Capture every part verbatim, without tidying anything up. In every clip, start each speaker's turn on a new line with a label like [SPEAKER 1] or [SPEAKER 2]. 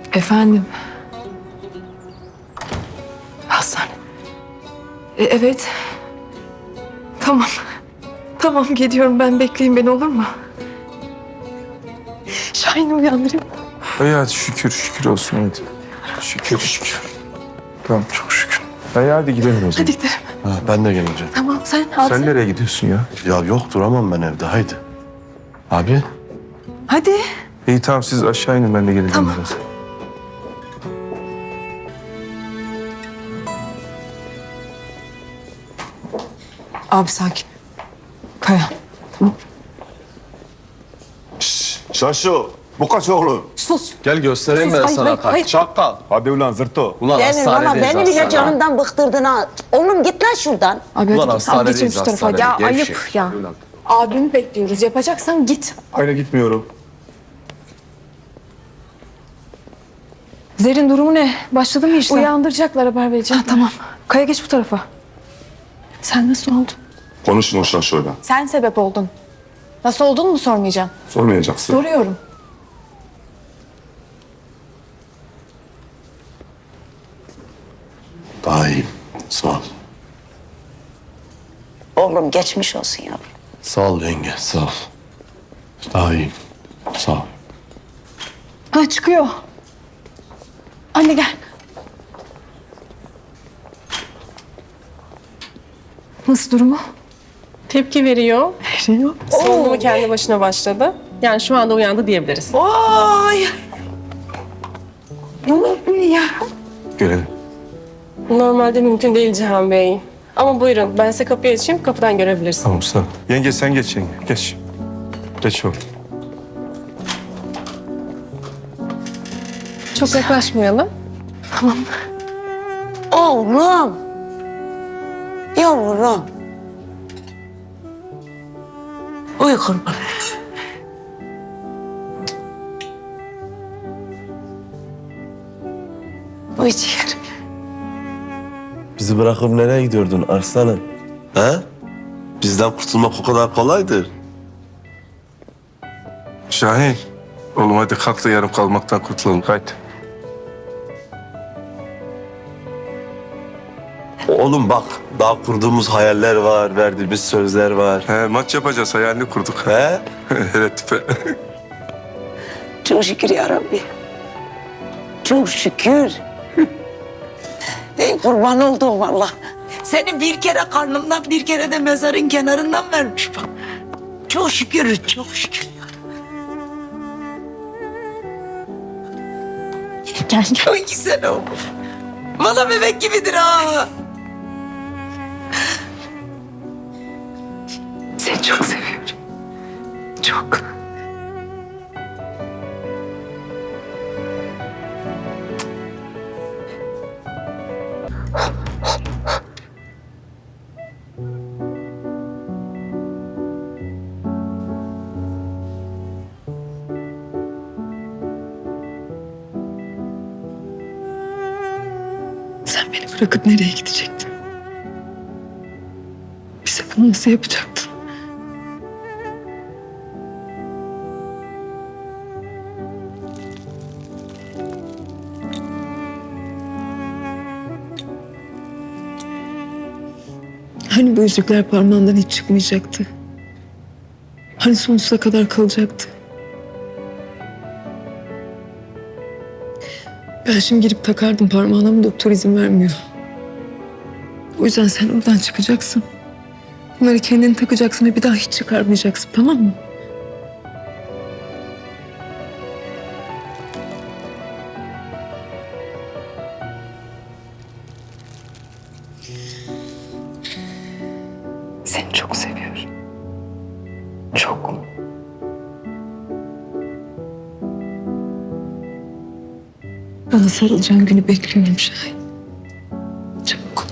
[SPEAKER 1] Efendim? Hastane. E, evet. Tamam. Tamam gidiyorum ben, bekleyin beni olur mu? Şahin'i uyandırayım.
[SPEAKER 2] İyi hadi şükür şükür olsun hadi. Şükür şükür. Tamam çok şükür. İyi hadi gidelim o zaman.
[SPEAKER 1] Hadi gidelim.
[SPEAKER 3] Ha, ben de geleceğim.
[SPEAKER 1] Tamam sen al.
[SPEAKER 2] Sen nereye gidiyorsun ya?
[SPEAKER 3] Ya yok duramam ben evde haydi. Abi.
[SPEAKER 1] Hadi.
[SPEAKER 2] İyi tamam siz aşağı inin, ben de geleceğim
[SPEAKER 1] Tamam.
[SPEAKER 2] biraz.
[SPEAKER 1] Abi sakin. Kaya. Tamam.
[SPEAKER 4] Şaşo, bu kaç oğlum?
[SPEAKER 1] Sus.
[SPEAKER 3] Gel göstereyim
[SPEAKER 1] Sus,
[SPEAKER 3] ben
[SPEAKER 1] hayır,
[SPEAKER 3] sana
[SPEAKER 1] hayır,
[SPEAKER 3] kart.
[SPEAKER 1] hayır.
[SPEAKER 3] Çakal.
[SPEAKER 4] Hadi ulan zırto.
[SPEAKER 3] Ulan
[SPEAKER 5] Demir valla
[SPEAKER 3] hastanedeyiz
[SPEAKER 5] beni bile
[SPEAKER 3] hastane.
[SPEAKER 5] canımdan bıktırdın ha. Oğlum git lan şuradan.
[SPEAKER 1] Abi
[SPEAKER 3] Ulan
[SPEAKER 1] hadi. Abi geçin
[SPEAKER 3] hastanedeyiz
[SPEAKER 1] şu tarafa.
[SPEAKER 3] hastanede.
[SPEAKER 1] Ya
[SPEAKER 3] Gevşek.
[SPEAKER 1] ayıp ya. Abimi bekliyoruz. Yapacaksan git.
[SPEAKER 4] Hayır gitmiyorum.
[SPEAKER 1] Zerrin durumu ne? Başladı mı işlem?
[SPEAKER 6] Uyandıracaklar, haber vereceğim.
[SPEAKER 1] Ha, tamam. Kaya geç bu tarafa. Sen nasıl oldun?
[SPEAKER 4] Konuşun o Şaşo'yla.
[SPEAKER 6] Sen sebep oldun. Nasıl olduğunu mu sormayacağım?
[SPEAKER 4] Sormayacaksın.
[SPEAKER 6] Soruyorum.
[SPEAKER 3] Daha iyiyim. Sağ ol.
[SPEAKER 5] Oğlum geçmiş olsun yavrum.
[SPEAKER 3] Sağ ol yenge sağ ol. Daha iyiyim. Sağ ol.
[SPEAKER 1] Ha çıkıyor. Anne gel. Nasıl durumu?
[SPEAKER 6] Tepki veriyor.
[SPEAKER 1] Veriyor.
[SPEAKER 6] Solunumu kendi başına başladı. Yani şu anda uyandı diyebiliriz.
[SPEAKER 1] Oy. Ne oldu ya?
[SPEAKER 2] Gelelim.
[SPEAKER 6] Normalde mümkün değil Cihan Bey. Ama buyurun, ben size kapıyı açayım, kapıdan görebilirsiniz.
[SPEAKER 2] Tamam sağ ol. Yenge sen geç yenge. Geç. Geç oğlum.
[SPEAKER 6] Çok yaklaşmayalım.
[SPEAKER 5] Oğlum. Yavrum. Uy kurban. Uy ciğerim.
[SPEAKER 3] Bizi bırakıp nereye gidiyordun arslanım? He? Bizden kurtulmak o kadar kolaydır.
[SPEAKER 2] Şahin. Oğlum hadi kalk da yarım kalmaktan kurtulalım. Haydi.
[SPEAKER 3] Oğlum bak daha kurduğumuz hayaller var, verdiğimiz sözler var.
[SPEAKER 2] He, maç yapacağız, hayalini kurduk.
[SPEAKER 3] He?
[SPEAKER 2] Evet tipe.
[SPEAKER 5] Çok şükür ya Rabbi. Çok şükür. Ey kurban olduğum Allah. Seni bir kere karnımdan bir kere de mezarın kenarından vermiş bak. Çok şükür, çok şükür.
[SPEAKER 1] Gel.
[SPEAKER 5] Çok güzel oldu. Valla bebek gibidir ha.
[SPEAKER 1] Seni çok seviyorum. Çok. Sen beni bırakıp nereye gidecektin? Bize bunu nasıl yapacaktın? Hani bu yüzükler parmağından hiç çıkmayacaktı? Hani sonsuza kadar kalacaktı? Ben şimdi girip takardım parmağına ama doktor izin vermiyor. O yüzden sen oradan çıkacaksın. Bunları kendin takacaksın ve bir daha hiç çıkarmayacaksın, tamam mı? Seni çok seviyorum. Çok. Bana sarılacağın günü bekliyorum Şahin. Çabuk.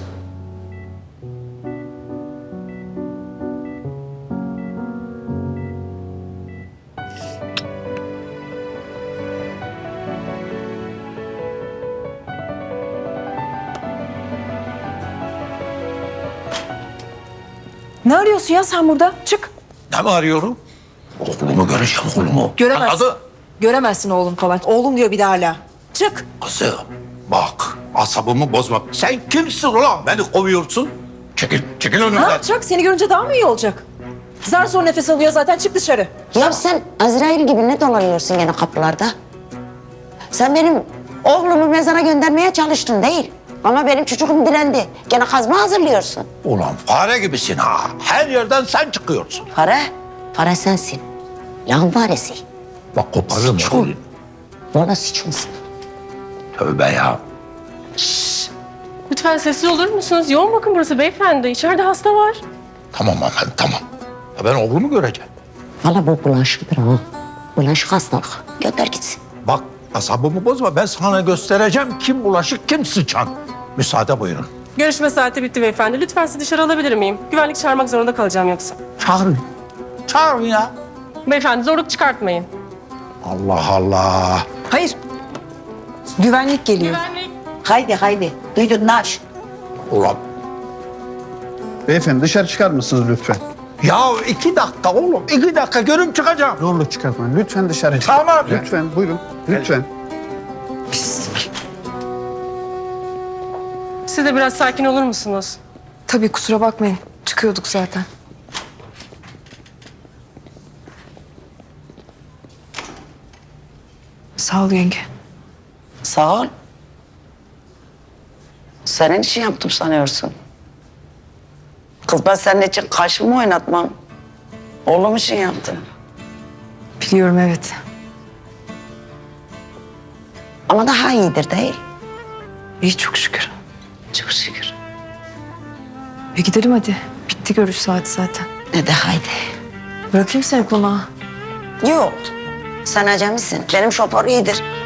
[SPEAKER 6] Ne arıyorsun ya sen burada? Çık.
[SPEAKER 3] Ne mi arıyorum? Oğlumu göreceğim oğlumu.
[SPEAKER 6] Göremezsin.
[SPEAKER 3] Adı?
[SPEAKER 6] Göremezsin oğlum falan. Oğlum diyor bir de hala.
[SPEAKER 7] Çık.
[SPEAKER 8] Kızım bak asabımı bozma. Sen kimsin ulan beni kovuyorsun? Çekil, çekil
[SPEAKER 7] Ne
[SPEAKER 8] önümden.
[SPEAKER 7] yapacak? Seni görünce daha mı iyi olacak? Zar zor nefes alıyor zaten. Çık dışarı.
[SPEAKER 9] Ya sen Azrail gibi ne dolanıyorsun gene kapılarda? Sen benim oğlumu mezara göndermeye çalıştın değil. Ama benim çocuğum direndi. Gene kazma hazırlıyorsun.
[SPEAKER 8] Ulan fare gibisin ha. Her yerden sen çıkıyorsun.
[SPEAKER 9] Para, para sensin. Lan faresi.
[SPEAKER 8] Bak koparırım onu.
[SPEAKER 9] Bana sıçmasın.
[SPEAKER 8] Tövbe ya.
[SPEAKER 6] Lütfen sessiz olur musunuz? Yoğun bakın burası beyefendi. İçeride hasta var.
[SPEAKER 8] Tamam aman tamam. Ya ben oğlumu göreceğim.
[SPEAKER 9] Valla bu bulaşıktır ha. Bulaşık hastalık. Gönder gitsin.
[SPEAKER 8] Bak asabımı bozma. Ben sana göstereceğim kim bulaşık kim sıçan. Müsaade buyurun.
[SPEAKER 6] Görüşme saati bitti beyefendi. Lütfen sizi dışarı alabilir miyim? Güvenlik çağırmak zorunda kalacağım yoksa.
[SPEAKER 8] Çağırın. Çağırın ya.
[SPEAKER 6] Beyefendi zorluk çıkartmayın.
[SPEAKER 8] Allah Allah.
[SPEAKER 7] Hayır. Güvenlik geliyor.
[SPEAKER 6] Güvenlik.
[SPEAKER 5] Haydi haydi. Duydun Naş.
[SPEAKER 8] Ulan
[SPEAKER 10] Beyefendi dışarı çıkar mısınız lütfen?
[SPEAKER 8] ya iki dakika oğlum. iki dakika görüp çıkacağım.
[SPEAKER 10] Zorluk çıkartmayın. Lütfen dışarı çıkın.
[SPEAKER 8] Tamam.
[SPEAKER 10] Lütfen buyurun. Lütfen.
[SPEAKER 6] Siz de biraz sakin olur musunuz?
[SPEAKER 1] Tabii kusura bakmayın. Çıkıyorduk zaten. Sağ ol yenge.
[SPEAKER 5] Sağ ol. Senin için yaptım sanıyorsun. Kız ben senin için kaşımı oynatmam. Oğlum için yaptım.
[SPEAKER 1] Biliyorum evet.
[SPEAKER 9] Ama daha iyidir değil.
[SPEAKER 1] İyi çok şükür.
[SPEAKER 9] Çok şükür.
[SPEAKER 1] E gidelim hadi. Bitti görüş saati zaten.
[SPEAKER 9] Ne de haydi.
[SPEAKER 1] Bırakayım seni konağa.
[SPEAKER 9] Yok. Sen acemisin. Benim şoför iyidir.